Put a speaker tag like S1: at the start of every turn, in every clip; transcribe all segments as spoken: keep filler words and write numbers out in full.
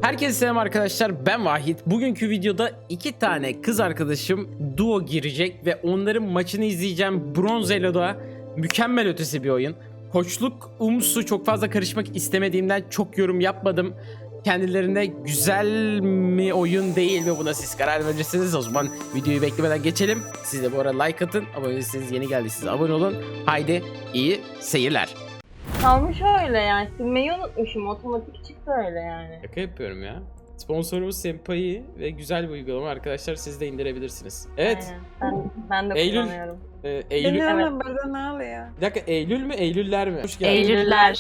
S1: Herkese selam arkadaşlar, ben Vahit. Bugünkü videoda iki tane kız arkadaşım duo girecek ve onların maçını izleyeceğim. Bronz Elo'da mükemmel ötesi bir oyun. Koçluk umsu çok fazla karışmak istemediğimden çok yorum yapmadım. Kendilerine güzel mi oyun değil mi, buna siz karar verirsiniz. O zaman videoyu beklemeden geçelim. Siz de bu arada like atın. Abone değilseniz, yeni geldiyseniz abone olun. Haydi iyi seyirler.
S2: Kalmış öyle yani. Silmeyi unutmuşum. Otomatik çıktı öyle yani.
S1: Şaka yapıyorum ya. Sponsorumuz Senpai ve güzel bir uygulama arkadaşlar, siz de indirebilirsiniz. Evet.
S2: Aynen. Ben, ben de
S1: Eylül.
S2: kullanıyorum.
S1: E, Eylül.
S2: Evet.
S3: Bilmiyorum burada ne oluyor?
S1: Bir dakika, Eylül mü Eylüller mi? Hoş geldin.
S2: Eylüller.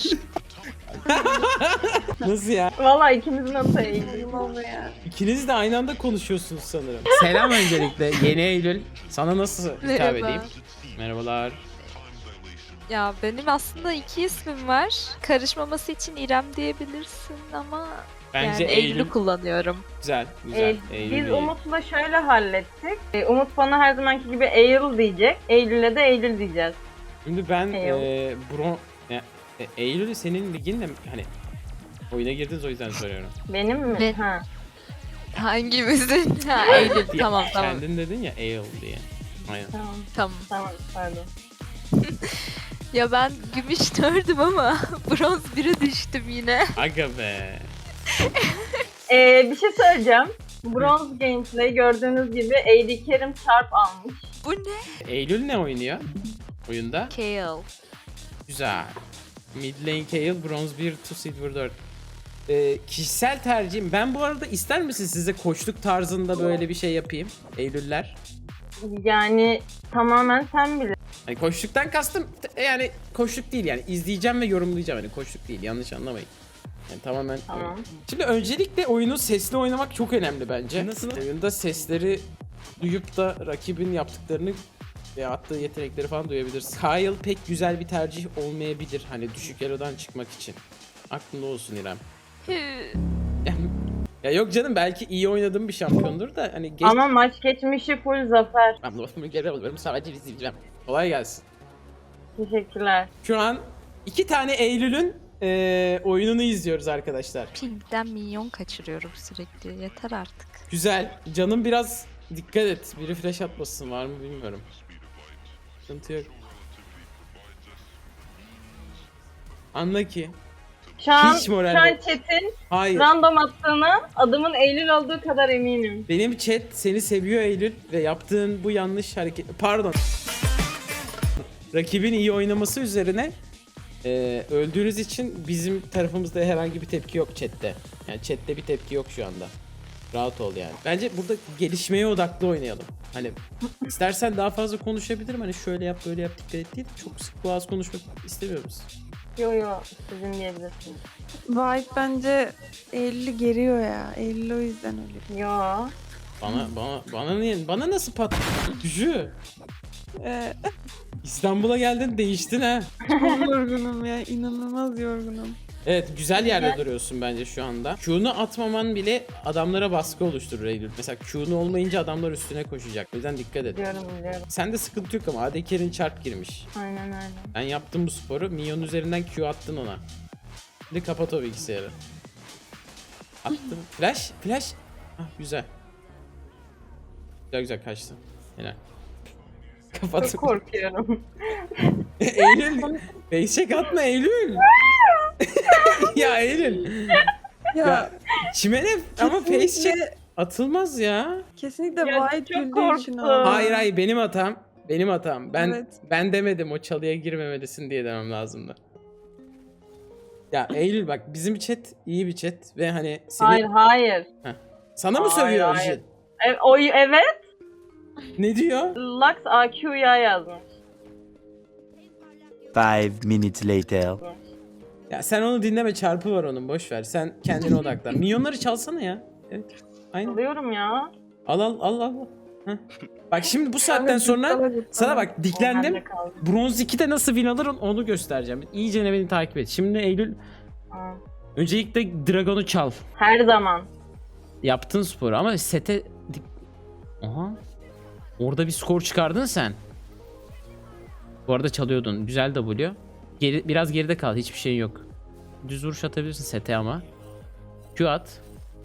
S1: Nasıl ya?
S2: Valla ikimizin adı Eylül.
S3: Eylül oluyor.
S1: İkiniz de aynı anda konuşuyorsunuz sanırım. Selam öncelikle yeni Eylül. Sana nasıl hitap
S4: Merhaba.
S1: edeyim? Merhabalar.
S4: Ya benim aslında iki ismim var. Karışmaması için İrem diyebilirsin ama
S1: Bence
S4: yani
S1: Eylül
S4: Eylül'ü kullanıyorum.
S1: güzel, güzel.
S2: Ee,
S1: Eylül
S2: biz
S1: iyi.
S2: Umut'la şöyle hallettik. Ee, Umut bana her zamanki gibi Eylül diyecek. Eylül'e de Eylül diyeceğiz.
S1: Şimdi ben
S2: Eylül.
S1: e, Bron... Ya, e, Eylül'ü senin liginle hani oyuna girdiniz, o yüzden soruyorum.
S2: Benim mi?
S4: Ben-
S2: Ha.
S4: Hangimizin? Ha Eylül. Tamam tamam.
S1: Kendin dedin ya Eylül diye. Aynen.
S2: Tamam.
S4: Tamam.
S2: Tamam. Pardon.
S4: Ya ben gümüş dördüm ama bronz bire düştüm yine.
S1: Aga be.
S2: Ee, bir şey söyleyeceğim. Bronze Gameplay gördüğünüz gibi A D Kerim çarp almış.
S4: Bu ne?
S1: Eylül ne oynuyor oyunda?
S4: Kale.
S1: Güzel. Mid lane Kayle, bronz bir, to silver dört. Ee, kişisel tercihim. Ben bu arada, ister misin size koçluk tarzında böyle bir şey yapayım? Eylüller.
S2: Yani tamamen sen bilir.
S1: Hani koçluktan kastım t- yani koçluk değil, yani izleyeceğim ve yorumlayacağım, hani koçluk değil, yanlış anlamayın. Yani tamamen.
S2: Tamam.
S1: Şimdi öncelikle oyunu sesli oynamak çok önemli bence. Nasıl? Oyunda sesleri duyup da rakibin yaptıklarını ve attığı yetenekleri falan duyabilirsin. Kyle pek güzel bir tercih olmayabilir hani düşük elo'dan çıkmak için. Aklında olsun İrem.
S4: Hü.
S1: Ya yok canım, belki iyi oynadığım bir şampiyondur da hani geç...
S2: Ama maç geçmişi full zafer.
S1: Ben lafımı geri alıyorum, sadece izleyeceğim. Kolay gelsin.
S2: Teşekkürler.
S1: Şu an iki tane Eylül'ün eee, oyununu izliyoruz arkadaşlar.
S4: Ping'den minyon kaçırıyorum sürekli. Yeter artık.
S1: Güzel. Canım biraz dikkat et. Biri flash atmasın, var mı bilmiyorum. Sıkıntı yok. Anla ki.
S2: Şu an,
S1: Hiç moral
S2: şu an
S1: yok.
S2: chat'in
S1: Hayır.
S2: random attığına adımın Eylül olduğu kadar eminim.
S1: Benim chat seni seviyor Eylül ve yaptığın bu yanlış hareket... Pardon. Rakibin iyi oynaması üzerine eee, öldüğünüz için bizim tarafımızda herhangi bir tepki yok chatte. Yani chatte bir tepki yok şu anda. Rahat ol yani. Bence burada gelişmeye odaklı oynayalım. Hani istersen daha fazla konuşabilirim. Hani şöyle yap, böyle yap, dikkat et diye de çok sık boğaz konuşmak istemiyoruz.
S2: Yo yo sizin diyebilirsiniz.
S3: White bence Eylül'ü geriyor ya. Eylül o yüzden öyle.
S2: Yo.
S1: Bana bana bana niye? Bana nasıl pat? Gücü.
S3: Ee,
S1: İstanbul'a geldin, değiştin ha.
S3: çok yorgunum ya. İnanılmaz yorgunum.
S1: Evet, güzel yerde duruyorsun bence şu anda. Q'nu atmaman bile adamlara baskı oluşturur Eylül. Mesela Q'nu olmayınca adamlar üstüne koşacak. O yüzden dikkat et.
S2: Biliyorum biliyorum.
S1: Sende sıkıntı yok ama A D Carry'in çarp girmiş.
S2: Aynen öyle.
S1: Ben yaptım bu sporu. Minyon üzerinden Q attın ona. Şimdi kapat o bilgisayarı. Attım. Flash, flash. Ah, güzel. Güzel güzel kaçtı. Helal. Kapat.
S2: Çok korkuyorum.
S1: Eylül. Facecheck atma Eylül. Ya Eylül.
S3: Ya,
S1: Ya çimene ama
S3: kesinlikle-
S1: facecheck atılmaz ya.
S3: kesinlikle
S2: Ya,
S3: White
S2: çok
S3: güldüğü için
S2: korktum.
S3: oldu.
S1: Hayır hayır, benim hatam. Benim hatam. Ben
S3: Evet.
S1: ben demedim, o çalıya girmemelisin diye demem lazımdı. Ya Eylül bak, bizim chat iyi bir chat ve hani seni
S2: Hayır hayır.
S1: sana mı
S2: Hayır,
S1: sövüyor
S2: hayır.
S1: Jin?
S2: E, o, evet.
S1: Ne diyor?
S2: Lux A Q'ya yazmış.
S5: Five minutes later.
S1: Ya sen onu dinleme, çarpı var onun, boş ver. Sen kendine odaklan. Milyonları çalsana ya. Evet. Aynen.
S2: Alıyorum ya.
S1: Al al al al. Heh. Bak şimdi bu saatten sonra sana bak, diklendim.
S2: Bende kaldı.
S1: Bronz ikide nasıl win alırım onu göstereceğim. İyice beni takip et. Şimdi Eylül,
S2: Aa,
S1: öncelikle Dragon'u çal.
S2: her zaman.
S1: Yaptın sporu ama sete... dik- Aha. Orada bir skor çıkardın sen. Bu arada çalıyordun. Güzel W. Geri, biraz geride kal. Hiçbir şey yok. Düz vuruş atabilirsin sete ama. Q at.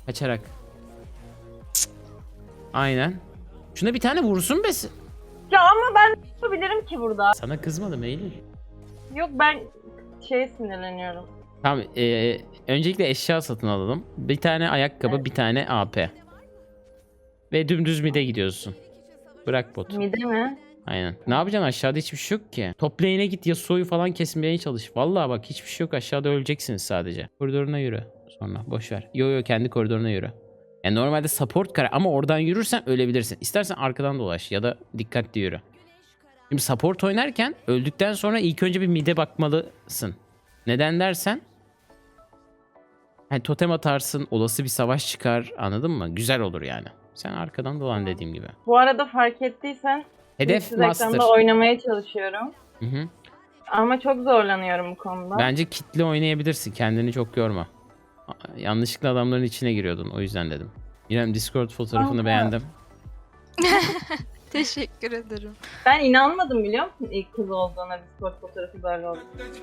S1: Kaçarak. Cık. Aynen. Şuna bir tane vursun be.
S2: Ya ama ben ne yapabilirim ki burada?
S1: Sana kızmadım Eylül.
S2: Yok ben şeye sinirleniyorum.
S1: Tamam. E, öncelikle eşya satın alalım. Bir tane ayakkabı,
S2: Evet.
S1: bir tane A P. Ve dümdüz mid'e gidiyorsun. Bırak botu.
S2: Mide mi?
S1: Aynen. Ne yapacaksın, aşağıda hiçbir şey yok ki. Top lane'e git, Yasuo'yu falan kesmeye çalış. Vallahi bak hiçbir şey yok, aşağıda öleceksiniz sadece. Koridoruna yürü sonra, boş ver. Yo yo, kendi koridoruna yürü. Yani normalde support kare ama oradan yürürsen ölebilirsin. İstersen arkadan dolaş ya da dikkatli yürü. Şimdi support oynarken öldükten sonra ilk önce bir mid'e bakmalısın. Neden dersen, hani totem atarsın, olası bir savaş çıkar, anladın mı? Güzel olur yani. Sen arkadan dolan dediğim gibi.
S2: Bu arada fark ettiysen
S1: Hedef
S2: siz
S1: master.
S2: ekranda oynamaya çalışıyorum.
S1: Hı hı.
S2: Ama çok zorlanıyorum bu konuda.
S1: Bence kitle oynayabilirsin. Kendini çok yorma. A- Yanlışlıkla adamların içine giriyordun. O yüzden dedim. İrem, Discord fotoğrafını
S2: Aha.
S1: beğendim.
S4: Teşekkür ederim.
S2: Ben inanmadım biliyor musun ilk kız olduğuna, Discord fotoğrafı böyle oldu.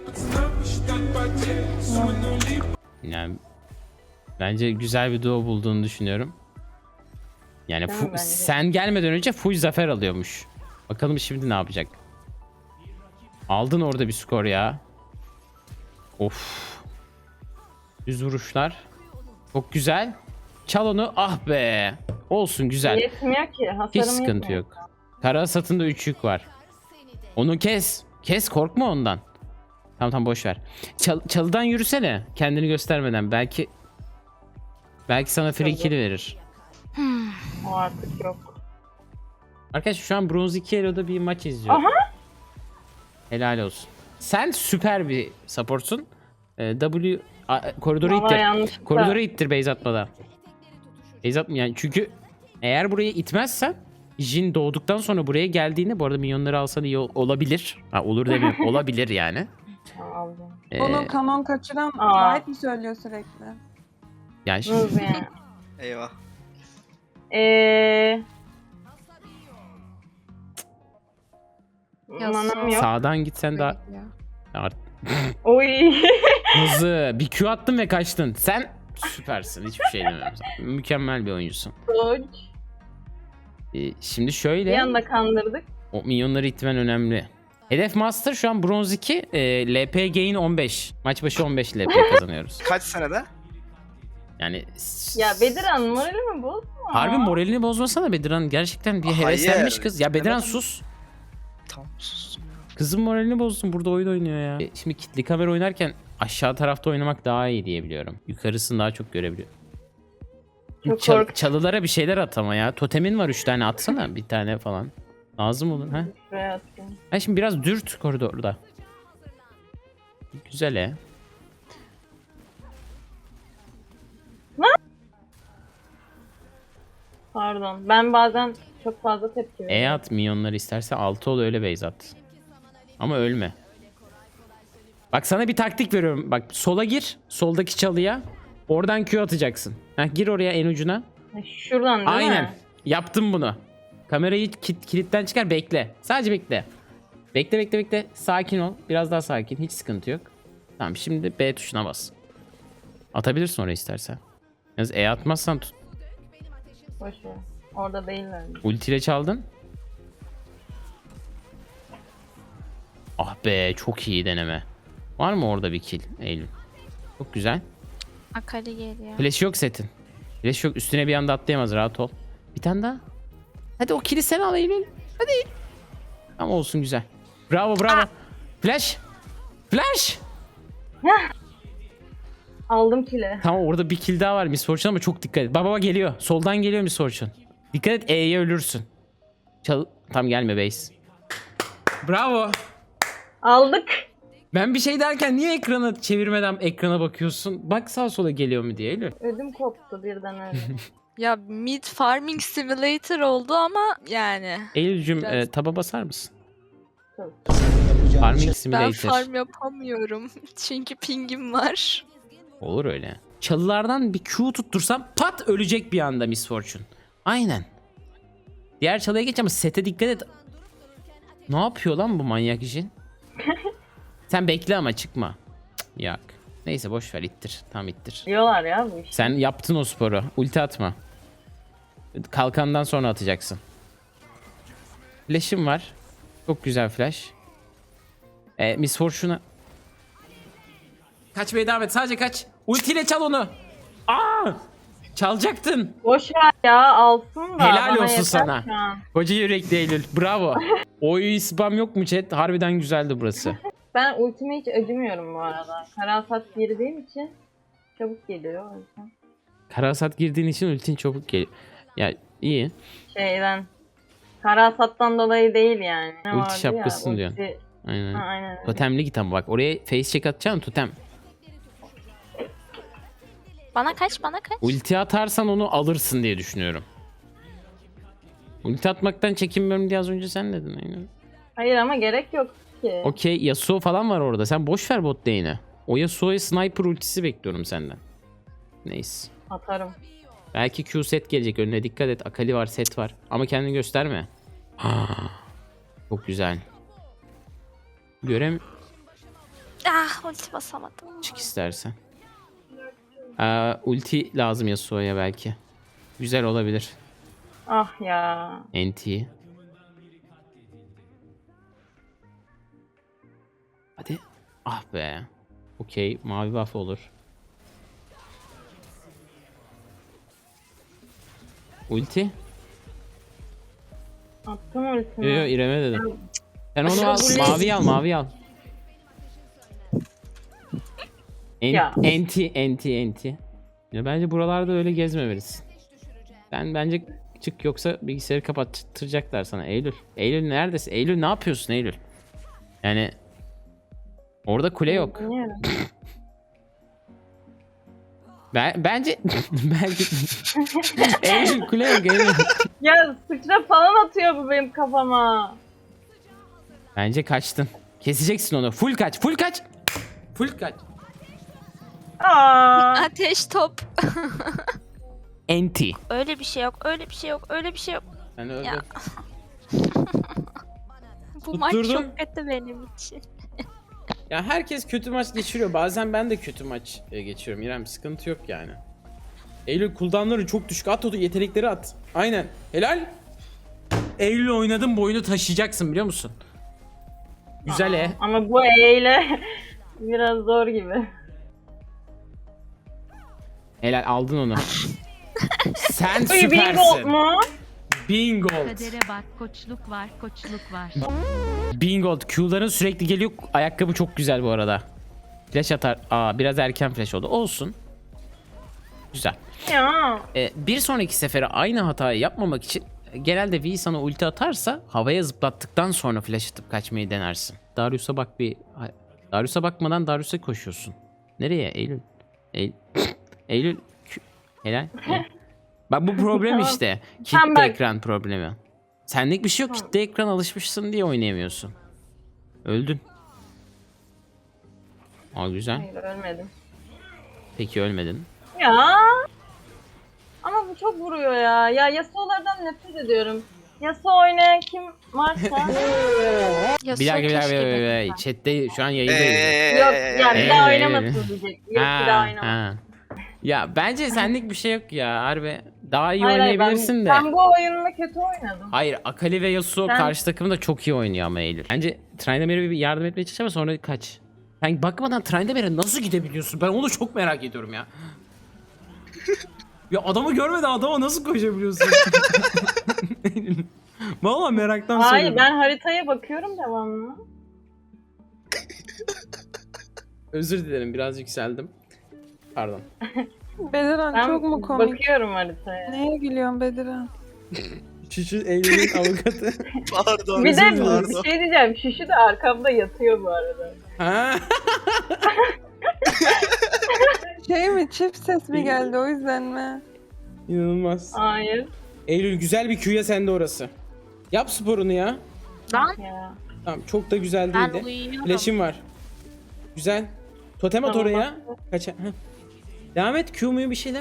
S1: Yani bence güzel bir duo bulduğunu düşünüyorum. Yani
S2: Değil
S1: fu-
S2: mi bence?
S1: sen gelmeden önce full zafer alıyormuş. Bakalım şimdi ne yapacak. Aldın orada bir skor ya. Of. Düz vuruşlar. Çok güzel. Çal onu. Ah be. Olsun, güzel.
S2: Yetmiyor ki. Hasarım
S1: Hiç sıkıntı
S2: yetmiyor.
S1: yok. Kara hasatında üç yük var. Onu kes. Kes, korkma ondan. Tamam tamam, boş ver. Çal çalıdan yürüsene. Kendini göstermeden. Belki belki sana free
S2: Çalı.
S1: kill verir.
S2: O artık yok.
S1: Arkadaşlar şu an Bronze iki Elo'da bir maç izliyorum.
S2: Aha.
S1: Helal olsun. Sen süper bir supportsun. Ee, W a- koridoru
S2: Valla
S1: ittir.
S2: yanlışlıkla.
S1: Koridoru ittir base atmadan. Base atma yani, çünkü eğer burayı itmezsen Jin doğduktan sonra buraya geldiğinde, bu arada minyonları alsan iyi ol- olabilir. Ha, olur demiyorum. Olabilir yani.
S2: Aldım.
S1: Ee,
S3: Onu kanon kaçıran
S2: Aa.
S3: Vahit mi söylüyor sürekli?
S1: yani şimdi
S2: Hız yani.
S6: Eyvah.
S2: Eee...
S4: Ya
S2: Manam yok.
S1: sağdan gitsen daha
S4: Ya.
S1: Art-
S2: Oy.
S1: hızlı bir Q attın ve kaçtın. Sen süpersin. Hiçbir şey demiyorum sana. Mükemmel bir oyuncusun.
S2: Dodge.
S1: Ee, şimdi
S2: Bir
S1: şöyle,
S2: anda kandırdık.
S1: o minyonları itmen önemli. Hedef Master şu an Bronze iki, e, L P gain on beş. Maç başı on beş L P kazanıyoruz.
S6: Kaç senede?
S1: Yani
S2: Ya Bediran morali mi bozma?
S1: harbi moralini bozmasana Bediran. Gerçekten bir
S6: Hayır,
S1: heveslenmiş kız. Ya Bediran
S6: demedim.
S1: sus.
S6: Tamam sustum ya.
S1: Kızın moralini bozdun. Burada oyun oynuyor ya. E, şimdi kitli kamera oynarken aşağı tarafta oynamak daha iyi diye biliyorum. Yukarısını daha çok görebiliyor.
S2: Çok
S1: Çal-
S2: kork-
S1: çalılara bir şeyler at ama ya. Totemin var üç tane, atsana bir tane falan. Lazım olur ha.
S2: Şuraya atayım.
S1: Ha şimdi biraz dürt koridorda. Güzel he.
S2: Pardon. Ben bazen çok fazla tepki veriyorum.
S1: E at minyonları istersen, altı ol öyle base at. Ama ölme. Bak sana bir taktik veriyorum. Bak sola gir. Soldaki çalıya. Oradan Q atacaksın. Heh, gir oraya en ucuna.
S2: Ha, Şuradan değil
S1: Aynen.
S2: mi?
S1: Yaptım bunu. Kamerayı kit- kilitten çıkar, bekle. Sadece bekle. Bekle bekle bekle. Sakin ol. Biraz daha sakin. Hiç sıkıntı yok. Tamam, şimdi B tuşuna bas. Atabilirsin oraya istersen. Yalnız E atmazsan tut.
S2: Boş ver. Orada değiller.
S1: Ultiyle çaldın. Ah be, çok iyi deneme. Var mı orada bir kill Eylül? Çok güzel.
S4: Akali geliyor.
S1: Flash yok setin. Flash yok, üstüne bir anda atlayamaz, rahat ol. Bir tane daha. Hadi o kill'i sen al Eylül. Hadi. Ama olsun, güzel. Bravo bravo. Flash. Flash.
S2: Aldım kile.
S1: Tamam, orada bir kill daha var Miss Fortune ama çok dikkat et. Baba baba geliyor. Soldan geliyor Miss Fortune. Dikkat et, E'ye ölürsün. Çal tam gelme base. Bravo.
S2: Aldık.
S1: Ben bir şey derken niye ekrana çevirmeden ekrana bakıyorsun? Bak sağa sola geliyor mu diye Eylül.
S2: Ödüm koptu birden öyle.
S4: Ya mid farming simulator oldu ama yani.
S1: Eylül'cüm
S4: Biraz-
S1: e, taba basar mısın?
S2: Tabii.
S1: Farming
S4: Ben
S1: Simulator.
S4: farm yapamıyorum. Çünkü pingim var.
S1: Olur öyle. Çalılardan bir Q tuttursam pat ölecek bir anda Miss Fortune. Aynen. Diğer çalıya geç ama sete dikkat et. Ne yapıyor lan bu manyak işin? Sen bekle ama çıkma. Cık, yak. Neyse boş ver, ittir. Tam ittir.
S2: Diyorlar ya bu işi.
S1: Sen yaptın o sporu. Ulti atma. Kalkandan sonra atacaksın. Flash'im var. Çok güzel flash. Ee, Miss Fortune'a... Kaçmaya devam et. Sadece kaç. Ultiyle çal onu. Aa! Çalacaktın.
S2: Boş ver ya, alsın da.
S1: Helal
S2: bana
S1: olsun
S2: yeter
S1: sana.
S2: şu an.
S1: Koca yürekli Eylül. Bravo. Oy spam yok mu chat? Harbiden güzeldi burası.
S2: Ben ultime hiç acımıyorum bu arada. Karasat girdiğim için çabuk geliyor o yüzden.
S1: Karasat girdiğin için ultin çabuk geliyor. Ya iyi.
S2: Şeyden. Karasattan dolayı değil yani. Ne
S1: Ulti
S2: vardı ya,
S1: şapkasın diyorsun.
S2: ulti-
S1: Aynen.
S2: Ha, aynen. öyle.
S1: Totemli git ama bak. Oraya face check atacaksın totem.
S4: Bana kaç bana kaç.
S1: Ulti atarsan onu alırsın diye düşünüyorum. Ulti atmaktan çekinmiyorum diye az önce sen dedin. Aynen.
S2: Hayır ama gerek yok ki.
S1: Okey, Yasuo falan var orada. Sen boş ver bot lane'i. O Yasuo'ya sniper ultisi bekliyorum senden. Neyse.
S2: Atarım.
S1: Belki Q set gelecek, önüne dikkat et. Akali var, set var. Ama kendini gösterme. Çok güzel. Görem
S4: Ah ulti basamadım.
S1: çık istersen. Aa, ulti lazım Yasuo'ya belki. Güzel olabilir.
S2: Ah ya.
S1: N T. Hadi. Ah be. Okey. Mavi buff olur. Ulti.
S2: Attım ultimi.
S1: Yo yo İrem'e dedim. Sen onu al.
S2: Ulti.
S1: Mavi al. Mavi al.
S2: Ya.
S1: Enti, enti, enti. Ya bence buralarda öyle gezmemelisin. Ben bence çık, yoksa bilgisayarı kapattıracaklar sana. Eylül. Eylül neredesin? Eylül ne yapıyorsun Eylül? Yani orada kule yok.
S2: Bilmiyorum.
S1: Ben bence belki Eylül kule yok Eylül.
S2: Ya sıçra falan atıyor bu benim kafama.
S1: Bence kaçtın. Keseceksin onu. Full kaç, full kaç. Full kaç.
S2: Aa.
S4: Ateş top.
S1: Enti.
S4: Öyle bir şey yok, öyle bir şey yok, öyle bir şey yok.
S1: Ben öldüm.
S4: Ya. Bu maç
S1: Tutturdum.
S4: çok kötü benim için.
S1: Ya herkes kötü maç geçiriyor. Bazen ben de kötü maç e, geçiriyorum. İrem sıkıntı yok yani. Eylül cooldown'ları çok düşük. At o yetenekleri at. Aynen. Helal. Eylül oynadın, boyunu taşıyacaksın biliyor musun? Güzel e.
S2: Ama bu eyle biraz zor gibi.
S1: Helal, aldın onu. Sen
S2: Uy, bingo
S1: süpersin.
S2: mu?
S1: Bingo.
S7: Kadere bak, koçluk var, koçluk var.
S1: Bingo. Q'ların sürekli geliyor. Ayakkabı çok güzel bu arada. Flash atar. Aa, biraz erken flash oldu. Olsun. Güzel.
S2: Ya.
S1: Ee, bir sonraki sefere aynı hatayı yapmamak için genelde V sana ulti atarsa havaya zıplattıktan sonra flash atıp kaçmayı denersin. Darius'a bak bir. Darius'a bakmadan Darius'a koşuyorsun. Nereye Eylül? Eylül. Eylül. Q- Helal. Helal. Bak bu problem
S2: Tamam.
S1: işte.
S2: Sen
S1: Kitle
S2: bak.
S1: ekran problemi. Senlik bir şey yok. Kitle ekran alışmışsın diye oynayamıyorsun. Öldün. Aa güzel.
S2: Hayır ölmedim.
S1: Peki ölmedin.
S2: Ya. Ama bu çok vuruyor ya. Ya Yasuo'lardan nefret ediyorum. Yasuo oynayan kim varsa.
S4: Ya
S1: Bir dakika bir dakika.
S4: keşke
S1: Bir dakika, bir
S4: benim.
S1: dakika. Chatte şu an yayındayız.
S6: Eee.
S2: Yok ya bir daha
S1: Ee,
S2: oynamasın diyecek. Yok bir daha oynamasın.
S1: ha. Ya bence senlik bir şey yok ya harbi. Daha iyi
S2: Hayır, hayır,
S1: oynayabilirsin
S2: ben,
S1: de.
S2: Ben bu oyununu kötü oynadım.
S1: Hayır, Akali ve Yasuo
S2: Ben-
S1: karşı takımda çok iyi oynuyor ama Eylül. Bence Tryndamere'e bir yardım etmeye çalış ama sonra kaç. Sen bakmadan Tryndamere'e nasıl gidebiliyorsun? Ben onu çok merak ediyorum ya. Ya adamı görmeden adama nasıl koşabiliyorsun? Vallahi meraktan
S2: Hayır
S1: soruyorum.
S2: ben haritaya bakıyorum devamlı.
S1: Özür dilerim, biraz yükseldim. Pardon.
S3: Bediran
S2: Ben
S3: çok mu komik?
S2: bakıyorum haritaya.
S3: Neye gülüyorsun Bediran?
S1: Şuşu Eylül'ün avukatı.
S6: Pardon.
S2: Bir de
S6: pardon.
S2: bir şey diyeceğim. Şuşu da arkamda yatıyor bu arada.
S1: Ha?
S3: Şey mi, çift ses mi geldi o yüzden mi?
S1: İnanılmaz.
S2: Hayır.
S1: Eylül güzel bir Q'ya sende orası. Yap sporunu ya.
S4: Lan
S2: Ya.
S1: Tamam, çok da güzel
S4: ben
S1: değildi.
S4: uyuyorum.
S1: Flash'im var. Güzel. Totem at
S2: Tamam,
S1: oraya. Kaça? Heh. Devam et. Q muyu bir şeyler.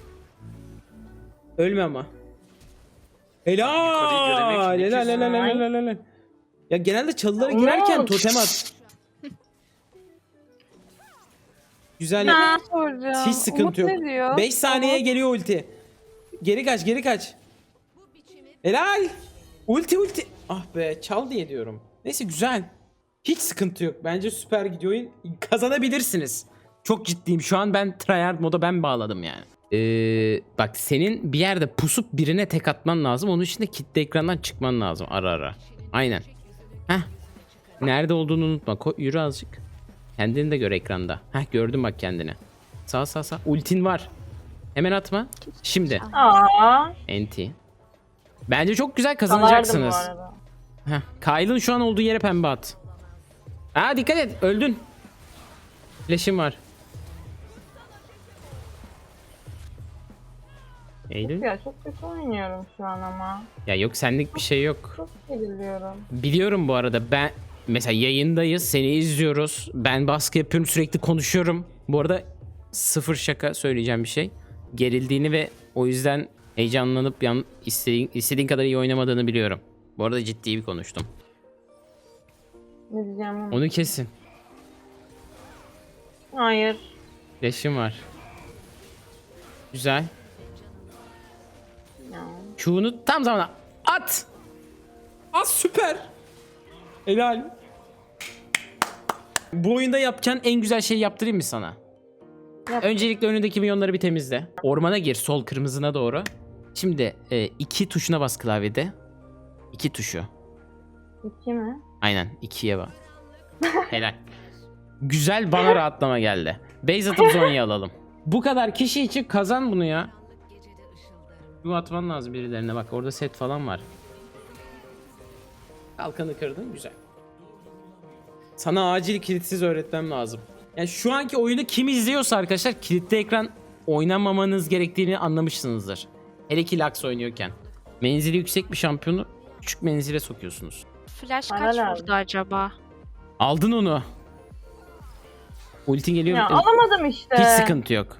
S1: Ölme ama. Helal.
S6: Yukarıyı göremek
S1: Helal
S6: ne
S1: helal helal helal helal. Ya genelde çalılara girerken
S2: Umut.
S1: totem at. Güzel.
S3: Ne soracağım?
S1: Hiç sıkıntı
S3: Umut
S1: yok.
S3: ne diyor?
S1: beş saniyeye geliyor ulti. Geri kaç, geri kaç. Helal. Ulti ulti. Ah be, çal diye diyorum. Neyse güzel. Hiç sıkıntı yok. Bence süper gidiyor oyun. Kazanabilirsiniz. Çok ciddiyim. Şu an ben tryhard moda ben bağladım yani. Ee, bak senin bir yerde pusup birine tek atman lazım. Onun için de kitle ekrandan çıkman lazım ara ara. Aynen. Heh. Nerede olduğunu unutma. Ko yürü azıcık. Kendini de gör ekranda. Heh, gördüm bak kendini. Sağ sağ sağ. Ultin var. Hemen atma. Şimdi.
S2: Aa.
S1: Enti. Bence çok güzel
S2: Salardım bu
S1: kazanacaksınız.
S2: arada.
S1: Heh. Kyle'ın şu an olduğu yere pembe at. Aa dikkat et. Öldün. Flash'im var. Eylül.
S2: Ya çok kötü oynuyorum şu an ama.
S1: Ya yok senlik bir şey yok.
S2: Çok geriliyorum.
S1: Biliyorum bu arada ben mesela yayındayız seni izliyoruz. Ben baskı yapıyorum sürekli konuşuyorum. Bu arada sıfır şaka söyleyeceğim bir şey. Gerildiğini ve o yüzden heyecanlanıp yan, istediğin, istediğin kadar iyi oynamadığını biliyorum. Bu arada ciddi bir konuştum.
S2: Ne diyeceğim?
S1: Onu kesin.
S2: Hayır.
S1: Flash'im var. Güzel.
S2: Ya.
S1: Q'nu tam zamana at. At süper. Helal. Bu oyunda yapacağın en güzel şeyi yaptırayım mı sana?
S2: Yap.
S1: Öncelikle önündeki milyonları bir temizle. Ormana gir sol kırmızına doğru. Şimdi e, iki tuşuna bas klavyede. İki tuşu.
S2: İki mi?
S1: Aynen ikiye bak. Helal. Güzel bana rahatlama geldi. Base atıp Zonya'yı alalım. Bu kadar kişi için kazan bunu ya. Bu atman lazım birilerine bak orada set falan var. Kalkanı kırdın güzel. Sana acil kilitsiz öğretmem lazım. Yani şu anki oyunu kim izliyorsa arkadaşlar kilitli ekran oynamamanız gerektiğini anlamışsınızdır. Hele ki Lux oynuyorken. Menzili yüksek bir şampiyonu küçük menzile sokuyorsunuz.
S4: Flash
S2: Bana
S4: kaç
S2: lazım.
S4: vurdu acaba?
S1: Aldın onu. Ultin geliyor.
S2: Ya
S1: Ee,
S2: alamadım işte.
S1: Hiç sıkıntı yok.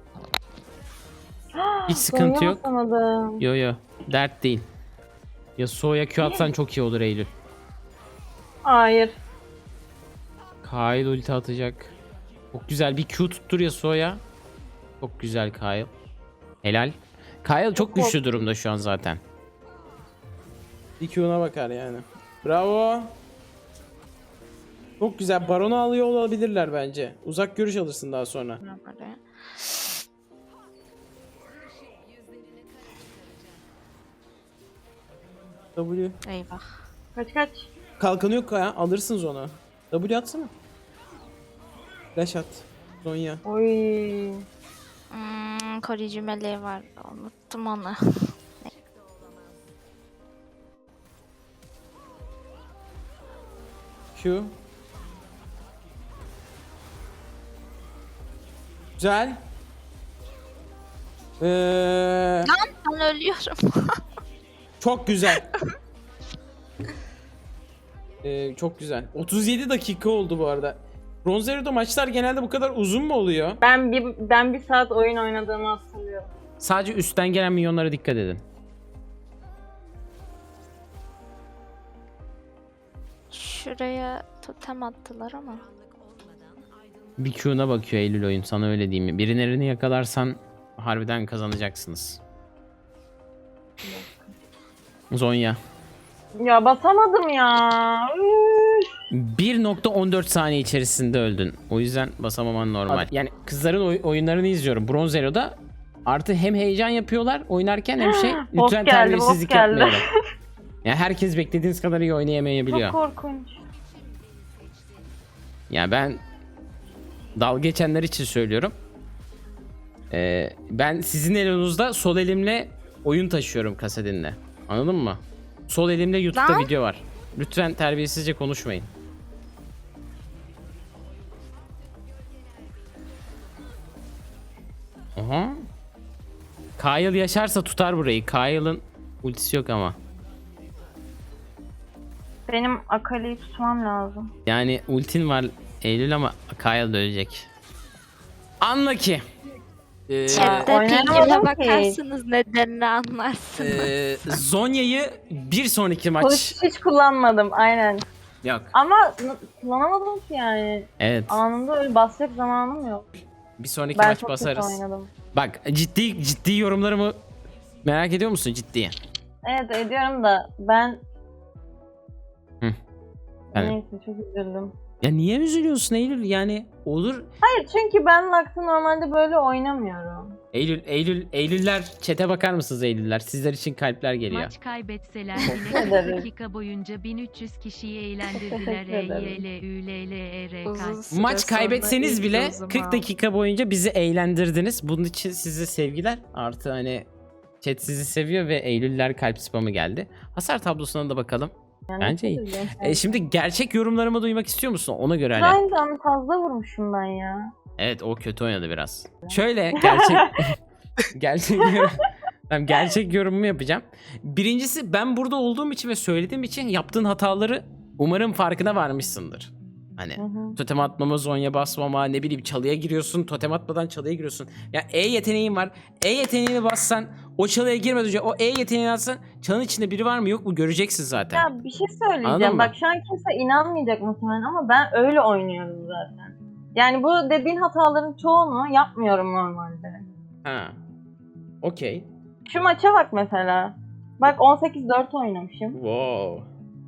S1: Hiç sıkıntı yok.
S2: Alamadım.
S1: Yo yo. Dert değil. Yasuo'ya Q atsan çok iyi olur Eylül.
S2: Hayır.
S1: Kyle ulti atacak. Çok güzel bir Q tuttur Yasuo'ya. Çok güzel Kyle. Helal. Kyle çok güçlü durumda şu an zaten. Bir Q'na bakar yani. Bravo. Çok güzel. Baron'u alıyor olabilirler bence. Uzak görüş alırsın daha sonra.
S4: Böyle.
S1: W.
S4: Eyvah.
S2: Kaç kaç.
S1: Kalkanı yok ya. Alırsınız onu. W atsana. Flash at. Zonya.
S2: Oy.
S4: Hmm, koruyucu meleği var. Unuttum onu.
S1: Q. Güzel. Ee,
S4: Ben ölüyorum.
S1: çok güzel. Ee, çok güzel. otuz yedi dakika oldu bu arada. Bronzero'da maçlar genelde bu kadar uzun mu oluyor?
S2: Ben bir ben bir saat oyun oynadığımı hatırlıyorum.
S1: Sadece üstten gelen milyonlara dikkat edin.
S4: Şuraya totem attılar ama.
S1: Bir Q'na bakıyor Eylül oyun, sana öyle diyeyim mi? Birilerini yakalarsan harbiden kazanacaksınız. Zonya.
S2: Ya basamadım ya. Üf.
S1: bir nokta on dört saniye içerisinde öldün. O yüzden basamaman normal. Yani kızların oy- oyunlarını izliyorum. Bronzero'da artı hem heyecan yapıyorlar oynarken hem şey
S2: Bot
S1: lütfen
S2: geldi,
S1: terbiyesizlik
S2: bot geldi.
S1: yapmayalım. Yani herkes beklediğiniz kadar iyi oynayamayabiliyor.
S2: Çok korkunç.
S1: Ya ben dalga geçenler için söylüyorum. Ee, ben sizin elinizde sol elimle oyun taşıyorum kasetinle. Anladın mı? Sol elimde YouTube'da
S4: Lan.
S1: video var. Lütfen terbiyesizce konuşmayın. Aha. Kyle yaşarsa tutar burayı. Kyle'ın ultisi yok ama.
S2: Benim Akali'yi tutmam lazım.
S1: Yani ultin var Eylül ama Kyle da ölecek. Anla ki. Ee,
S4: Chatte
S2: oynayamadım
S4: pingime
S2: ki.
S4: bakarsınız nedenini anlarsınız.
S1: Ee, Zonya'yı bir sonraki maç.
S2: Kılıç hiç kullanmadım aynen.
S1: Yok.
S2: Ama n- kullanamadım ki yani.
S1: Evet.
S2: Anında öyle basacak zamanım yok.
S1: Bir sonraki
S2: Ben
S1: maç
S2: çok kötü
S1: basarız.
S2: oynadım.
S1: Bak ciddi ciddi yorumlarımı merak ediyor musun ciddi?
S2: Evet ediyorum da ben...
S1: Hı. Yani-
S2: Neyse çok üzüldüm.
S1: Ya niye üzülüyorsun Eylül? Yani olur.
S2: Hayır çünkü ben Lux'ı normalde böyle oynamıyorum.
S1: Eylül, Eylül, Eylüller chat'e bakar mısınız Eylüller? Sizler için kalpler geliyor.
S7: Maç kaybetseler
S2: Teşekkür
S7: yine kırk
S2: ederim.
S7: dakika boyunca bin üç yüz kişiyi eğlendirdiler.
S2: Teşekkür
S7: E,
S2: ederim.
S7: Y, L, Ü, L, L, E, R,
S3: Uzun
S7: K.
S3: süre
S1: Maç
S3: sonra
S1: kaybetseniz
S3: ilk
S1: bile
S3: dozumu
S1: kırk
S3: aldım.
S1: dakika boyunca bizi eğlendirdiniz. Bunun için size sevgiler. Artı hani chat sizi seviyor ve Eylüller kalp spamı geldi. Hasar tablosuna da bakalım.
S2: Yani
S1: Bence iyi.
S2: çok üzüldüm.
S1: E, şimdi gerçek yorumlarımı duymak istiyor musun? Ona göre hani.
S2: Ryan'dan fazla vurmuşum ben ya.
S1: Evet o kötü oynadı biraz. Şöyle gerçek gerçek yorum- Tamam, gerçek yorumumu yapacağım. Birincisi ben burada olduğum için ve söylediğim için yaptığın hataları umarım farkına varmışsındır. Hani
S2: Hı hı.
S1: totem atmama, zonya basmama, ne bileyim çalıya giriyorsun, totem atmadan çalıya giriyorsun. Ya E yeteneğin var. E yeteneğini bassan, o çalıya girmeden önce o E yeteneğini atsan çalın içinde biri var mı yok mu göreceksin zaten.
S2: Ya bir şey
S1: Anladın
S2: söyleyeceğim.
S1: mı?
S2: Bak şu an kimse inanmayacak muhtemelen ama ben öyle oynuyorum zaten. Yani bu dediğin hataların çoğunu yapmıyorum normalde.
S1: Ha. Okey.
S2: Şu maça bak mesela. Bak on sekiz dört oynamışım.
S1: Wow.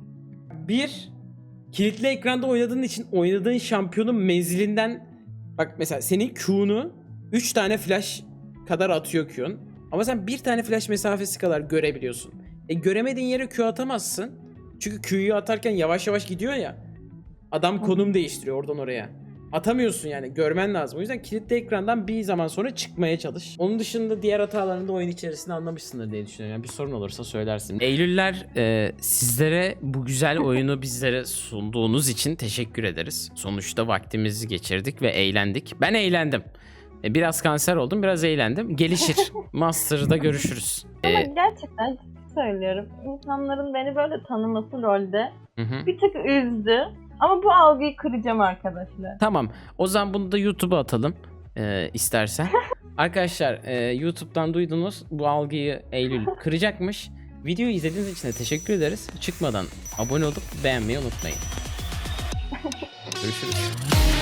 S1: Bir, kilitli ekranda oynadığın için oynadığın şampiyonun menzilinden bak mesela senin Q'nu üç tane flash kadar atıyor Q'un. Ama sen bir tane flash mesafesi kadar görebiliyorsun. E göremediğin yere Q atamazsın. Çünkü Q'yu atarken yavaş yavaş gidiyor ya. Adam konum değiştiriyor oradan oraya. Atamıyorsun yani görmen lazım. O yüzden kilitli ekrandan bir zaman sonra çıkmaya çalış. Onun dışında diğer hatalarını da oyun içerisinde anlamışsındır diye düşünüyorum. Yani bir sorun olursa söylersin. Eylüller e, sizlere bu güzel oyunu bizlere sunduğunuz için teşekkür ederiz. Sonuçta vaktimizi geçirdik ve eğlendik. Ben eğlendim. E, biraz kanser oldum, biraz eğlendim. Gelişir. Master'da görüşürüz.
S2: Ama
S1: E,
S2: gerçekten ciddi söylüyorum. İnsanların beni böyle tanıması LoL'de
S1: hı hı.
S2: bir tık üzdü. Ama bu algıyı kıracağım arkadaşlar.
S1: Tamam. O zaman bunu da YouTube'a atalım e, istersen. Arkadaşlar e, YouTube'dan duydunuz. Bu algıyı Eylül kıracakmış. Videoyu izlediğiniz için de teşekkür ederiz. Çıkmadan abone olup beğenmeyi unutmayın. Görüşürüz.